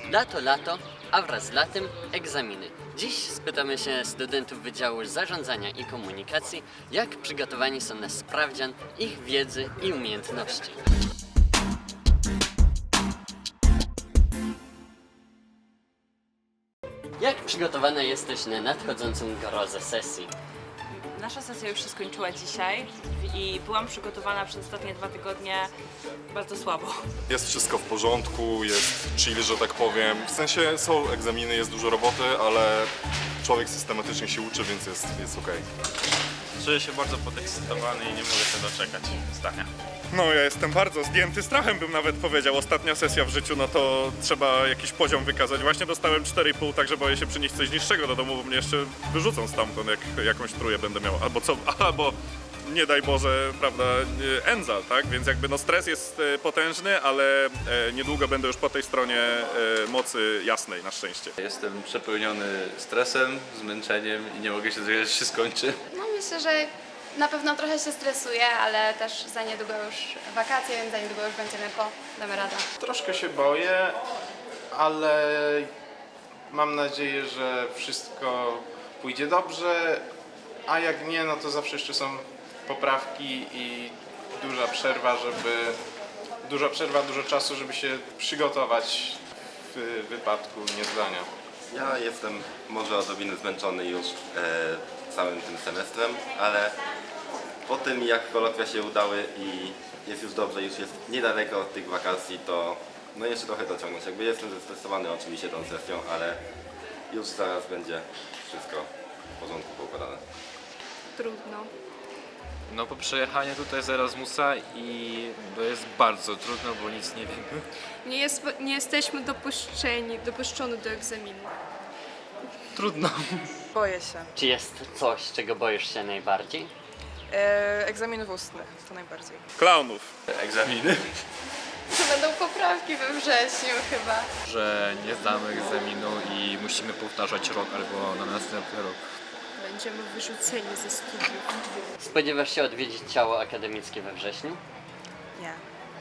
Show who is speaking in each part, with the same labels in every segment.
Speaker 1: Lato, a wraz z latem egzaminy. Dziś spytamy się studentów Wydziału Zarządzania i Komunikacji, jak przygotowani są na sprawdzian ich wiedzy i umiejętności. Jak przygotowana jesteś na nadchodzącą grozę sesji?
Speaker 2: Nasza sesja już się skończyła dzisiaj i byłam przygotowana przez ostatnie 2 tygodnie bardzo słabo.
Speaker 3: Jest wszystko w porządku, jest chill, że tak powiem. W sensie są egzaminy, jest dużo roboty, ale człowiek systematycznie się uczy, więc jest okej.
Speaker 4: Czuję się bardzo podekscytowany i nie mogę się doczekać zdania.
Speaker 5: No ja jestem bardzo zdjęty strachem, bym nawet powiedział. Ostatnia sesja w życiu, no to trzeba jakiś poziom wykazać. Właśnie dostałem 4,5, także boję się przynieść coś niższego do domu, bo mnie jeszcze wyrzucą stamtąd, jak jakąś trójkę będę miał. Albo nie daj Boże, prawda, Enzal, tak? Więc jakby no stres jest potężny, ale niedługo będę już po tej stronie mocy jasnej, na szczęście.
Speaker 6: Jestem przepełniony stresem, zmęczeniem i nie mogę się doczekać, aż się skończy.
Speaker 7: No myślę, że na pewno trochę się stresuję, ale też za niedługo już wakacje, więc za niedługo już będziemy damy radę.
Speaker 8: Troszkę się boję, ale mam nadzieję, że wszystko pójdzie dobrze, a jak nie, no to zawsze jeszcze są poprawki i dużo czasu, żeby się przygotować w wypadku niezdania.
Speaker 9: Ja jestem może odrobinę zmęczony już całym tym semestrem, ale po tym jak kolokwia się udały i jest już dobrze, już jest niedaleko od tych wakacji, to no jeszcze trochę dociągnąć. Jakby jestem zestresowany oczywiście tą sesją, ale już zaraz będzie wszystko w porządku poukładane.
Speaker 10: Trudno.
Speaker 4: No po przejechaniu tutaj z Erasmusa i to jest bardzo trudno, bo nic nie wiemy.
Speaker 10: Nie jesteśmy dopuszczeni do egzaminu.
Speaker 4: Trudno.
Speaker 11: Boję się.
Speaker 1: Czy jest coś, czego boisz się najbardziej?
Speaker 11: Egzaminów ustnych to najbardziej.
Speaker 5: Klaunów.
Speaker 6: Egzaminy.
Speaker 7: To będą poprawki we wrześniu chyba.
Speaker 4: Że nie zdamy egzaminu i musimy powtarzać rok albo na następny rok.
Speaker 10: Będziemy wyrzuceni ze studiów.
Speaker 1: Spodziewasz się odwiedzić ciało akademickie we wrześniu?
Speaker 11: Nie.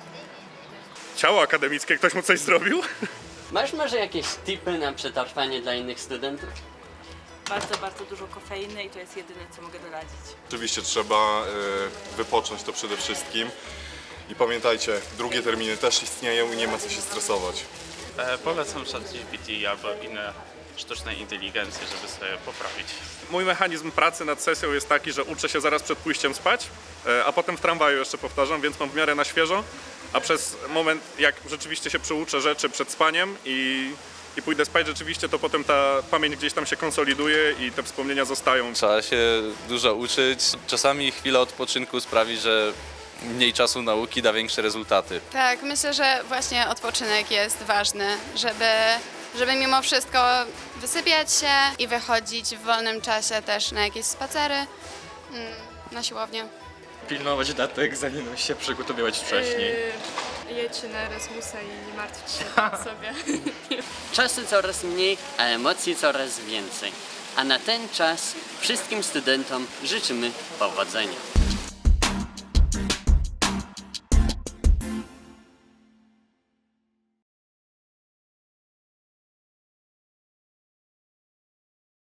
Speaker 5: Ciało akademickie, ktoś mu coś zrobił?
Speaker 1: Masz może jakieś tipy na przetrwanie dla innych studentów?
Speaker 2: Bardzo dużo kofeiny i to jest jedyne, co mogę doradzić.
Speaker 3: Oczywiście trzeba wypocząć to przede wszystkim. I pamiętajcie, drugie terminy też istnieją i nie ma co się stresować.
Speaker 4: Polecam ChatGPT albo inne sztuczne inteligencje, żeby sobie poprawić.
Speaker 5: Mój mechanizm pracy nad sesją jest taki, że uczę się zaraz przed pójściem spać, a potem w tramwaju jeszcze powtarzam, więc mam w miarę na świeżo, a przez moment, jak rzeczywiście się przyuczę rzeczy przed spaniem i pójdę spać rzeczywiście, to potem ta pamięć gdzieś tam się konsoliduje i te wspomnienia zostają.
Speaker 6: Trzeba się dużo uczyć. Czasami chwila odpoczynku sprawi, że mniej czasu nauki da większe rezultaty.
Speaker 7: Tak, myślę, że właśnie odpoczynek jest ważny, żeby mimo wszystko wysypiać się i wychodzić w wolnym czasie też na jakieś spacery, na siłownię.
Speaker 4: Pilnować daty egzaminu i się przygotowywać wcześniej.
Speaker 10: Jedźcie na Erasmusa i nie martwcie się sobie.
Speaker 1: Czasu coraz mniej, a emocji coraz więcej. A na ten czas wszystkim studentom życzymy powodzenia.